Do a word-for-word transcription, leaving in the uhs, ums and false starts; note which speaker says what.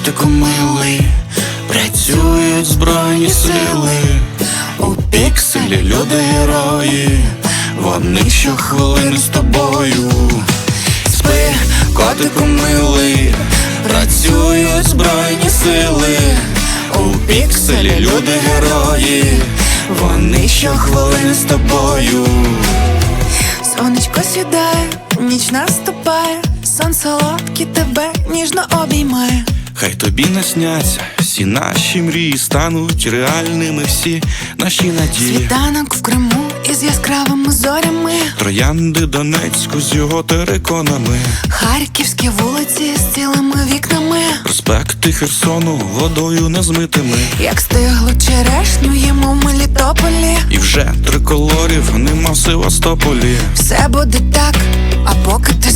Speaker 1: котику милий, працюють збройні сили. У пікселі люди герої, вони щохвилини з тобою. Спи, котику милий, працюють збройні сили. У пікселі люди герої, вони щохвилини з тобою.
Speaker 2: Сонечко сідає, ніч наступає, сон солодкий тебе ніжно обіймає.
Speaker 1: Хай тобі насняться всі наші мрії, стануть реальними всі наші надії.
Speaker 2: Світанок в Криму із яскравими зорями,
Speaker 1: Троянди Донецьку з його териконами,
Speaker 2: харківські вулиці з цілими вікнами,
Speaker 1: проспекти Херсону водою незмитими.
Speaker 2: як стиглу черешню їмо в Мелітополі.
Speaker 1: І вже триколорів нема в Севастополі.
Speaker 2: Все буде так, а поки ти